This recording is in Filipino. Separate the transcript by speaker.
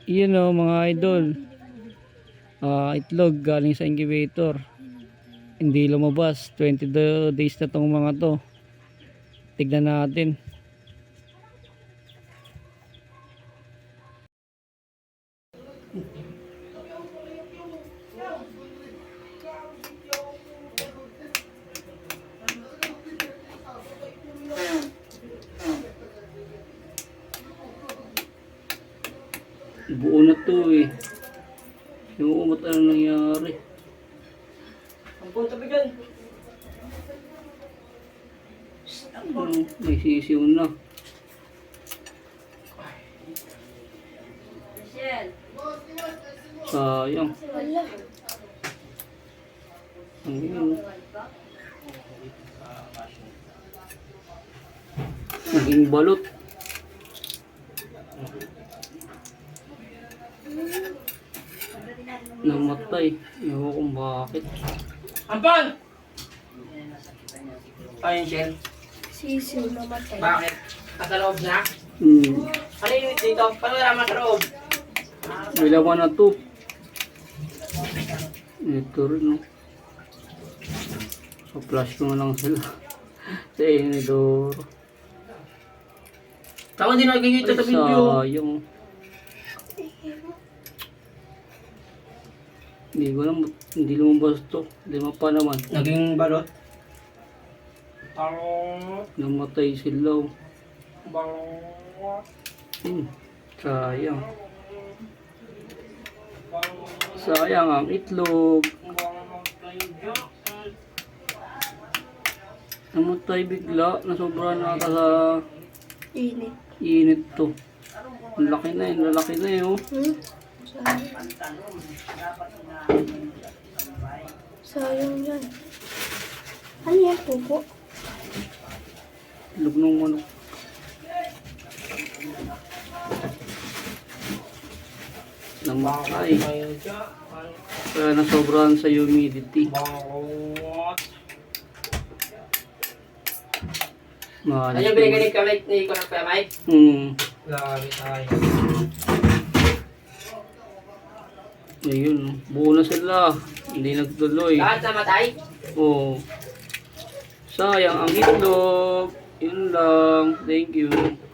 Speaker 1: Yun o mga idol. Itlog galing sa incubator. Hindi lumabas. 20 days na tong mga to. Tignan natin. Buo na to eh. Yung umot ano nangyari.
Speaker 2: Ang punta ba dyan?
Speaker 1: May sisiw na. Sayang. Ayun. Naging balot. Namatay. Ewan kung bakit.
Speaker 2: Ampon! Ayun, Shell.
Speaker 3: Sisiw namatay.
Speaker 2: Bakit? Nasa loob na?
Speaker 1: Hmm.
Speaker 2: Ano yung dito? Paano naman sa loob?
Speaker 1: May laman na to. Ito rin no. So flash ko na lang sila. Sa inidor.
Speaker 2: Tama din nakikita sa video.
Speaker 1: Sayang. Hindi ko alam. Hindi lumabas to. Lima pa naman.
Speaker 2: Naging balot. Balot.
Speaker 1: Namatay sila.
Speaker 2: Balot.
Speaker 1: Sayang. Sayang ang itlog. Namatay bigla. Nasobra na ata sa
Speaker 3: Init.
Speaker 1: init to. Ang laki na yun. Lalaki na yun.
Speaker 3: Sayang yan. Ano yan, pupo?
Speaker 1: Itlog ng manok. Namatay. Kaya nasobrahan sa humidity.
Speaker 2: Ano yung binigay ni ko ng pamay? Grabe tayo.
Speaker 1: Ayun, buo na sila. Hindi nagtuloy.
Speaker 2: Lahat namatay?
Speaker 1: Oo. Sayang ang itlog. Yun lang. Thank you.